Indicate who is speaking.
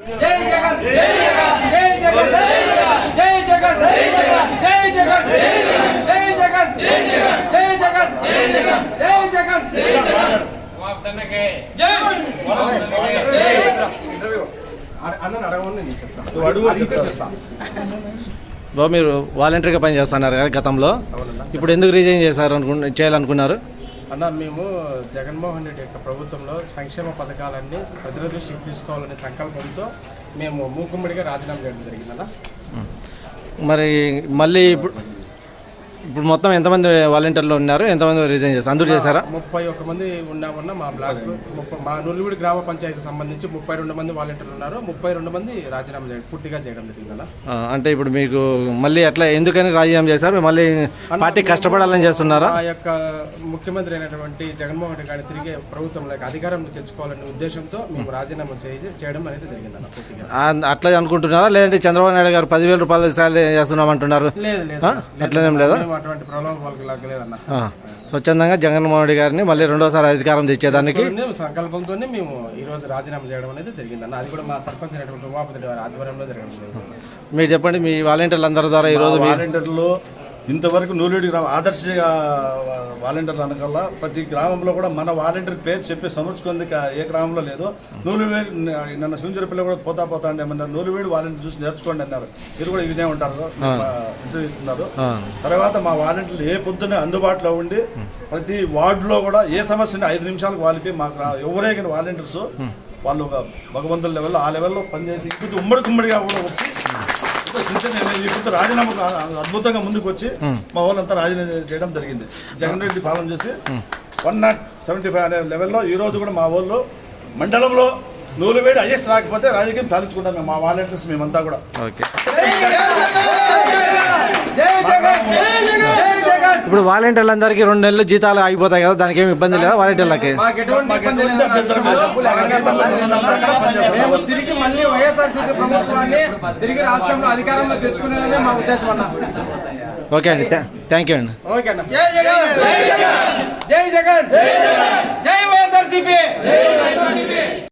Speaker 1: జై జగన్ జై జగన్ జై జగన్ జై జగన్ జై జగన్ జై జగన్ జై జగన్ జై జగన్ జై జగన్ జై జగన్ జై జగన్ వాగ్దనకే జై అన్న అడగమని నేను చెప్తాను అడుగు చెప్తా
Speaker 2: బాబు మీరు వాలంటీర్గా పనిచేస్తున్నారు కదా గతంలో, ఇప్పుడు ఎందుకు రిజైన్ చేయాలనుకున్నారు?
Speaker 3: అన్న మేము జగన్మోహన్ రెడ్డి యొక్క ప్రభుత్వంలో సంక్షేమ పథకాలన్నీ ప్రజల దృష్టికి తీసుకోవాలనే సంకల్పంతో మేము మూకుమ్మడిగా రాజీనామా చేయడం జరిగిందన్న.
Speaker 2: మరి మళ్ళీ ఇప్పుడు మొత్తం ఎంతమంది వాలంటీర్లు ఉన్నారు, ఎంతమంది రిజైన్ చేస్తారు? అందరూ చేశారా?
Speaker 3: 31 మంది ఉన్నామన్న. మా బ్లాక్ మా నుల్లివిడి గ్రామ పంచాయతీ సంబంధించి 32 మంది వాలంటీర్లు ఉన్నారు. 32 మంది రాజీనామా పూర్తిగా చేయడం జరిగిందన్న.
Speaker 2: అంటే ఇప్పుడు మీకు మళ్ళీ ఎట్లా ఎందుకని రాజీనామా చేశారు? మళ్ళీ పార్టీ కష్టపడాలని చేస్తున్నారా?
Speaker 3: ఆ యొక్క ముఖ్యమంత్రి అయినటువంటి జగన్మోహన్ రెడ్డి గారిని తిరిగి ప్రభుత్వంలో అధికారం తెచ్చుకోవాలనే ఉద్దేశంతో మేము రాజీనామా చేయడం అనేది జరిగిందన్న. పూర్తిగా
Speaker 2: అట్లా అనుకుంటున్నారా, లేదంటే చంద్రబాబు నాయుడు గారు 10,000 రూపాయలు శాలరీ చేస్తున్నామంటున్నారు?
Speaker 3: లేదు లేదు,
Speaker 2: అట్లనేం లేదా?
Speaker 3: అటువంటి ప్రలోభాలకు లేదన్న.
Speaker 2: స్వచ్ఛందంగా జగన్మోహన్ రెడ్డి గారిని మళ్ళీ రెండోసారి అధికారం తెచ్చేదానికి
Speaker 3: సంకల్పంతోనే మేము ఈ రోజు రాజీనామా చేయడం అనేది జరిగిందన్న. అది కూడా మా సర్పంచ్ అయినటువంటి ఉమాపతి గారి ఆధ్వర్యంలో జరగడం జరిగింది.
Speaker 2: మీరు చెప్పండి, మీ వాలంటీర్లు అందరి ద్వారా ఈరోజు
Speaker 4: వాలంటీర్లు ఇంతవరకు నూలివిడి గ్రామం ఆదర్శ వాలంటీర్లు అనకల్లా ప్రతి గ్రామంలో కూడా మన వాలంటీర్ పేరు చెప్పి సమర్చుకుంది ఏ గ్రామంలో లేదు. నూలివేడి నన్ను శివంజరపల్లి కూడా పోతా అంటే ఏమన్నారు, నూలివేడి వాలంటీర్ చూసి నేర్చుకోండి అన్నారు. మీరు కూడా ఇదే ఉంటారు, ఇంటర్వ్యూ ఇస్తున్నారు. తర్వాత మా వాలంటీర్లు ఏ పొద్దునే అందుబాటులో ఉండి ప్రతి వార్డులో కూడా ఏ సమస్య ఉంటే 5 నిమిషాలకు వాళ్ళకి మాకు ఎవరైనా వాలంటీర్స్ వాళ్ళు ఒక భగవంతుల లెవెల్లో ఆ లెవెల్లో పనిచేసి ఇప్పుడు ఉమ్మడిగా కూడా వచ్చి ఇప్పుడు రాజీనామా అద్భుతంగా ముందుకు వచ్చి మా వాళ్ళంతా రాజీనామా చేయడం జరిగింది. జగన్ రెడ్డి పాలన చేసి 175 అనే లెవెల్లో ఈ రోజు కూడా మా వాళ్ళు మండలంలో నూలువేడి హైయెస్ట్ రాకపోతే రాజకీయం సాధించుకుంటాం మేము, మా వాలంటీర్స్ మేమంతా కూడా.
Speaker 2: ఇప్పుడు వాలంటీర్లందరికీ 2 నెలలు జీతాలు ఆగిపోతాయి కదా, దానికి ఏమి ఇబ్బంది లేదా వాలంటీర్లకి?
Speaker 3: తిరిగి మళ్ళీ వైఎస్ఆర్సీపీ ప్రభుత్వాన్ని తిరిగి రాష్ట్రంలో అధికారంలో తెచ్చుకునేదే మా ఉద్దేశం అన్న.
Speaker 2: ఓకే అండి, థ్యాంక్ యూ అండి.
Speaker 3: ఓకే అన్న.
Speaker 1: జై జగన్ జై జగన్ జై వైఎస్ఆర్సీపీ.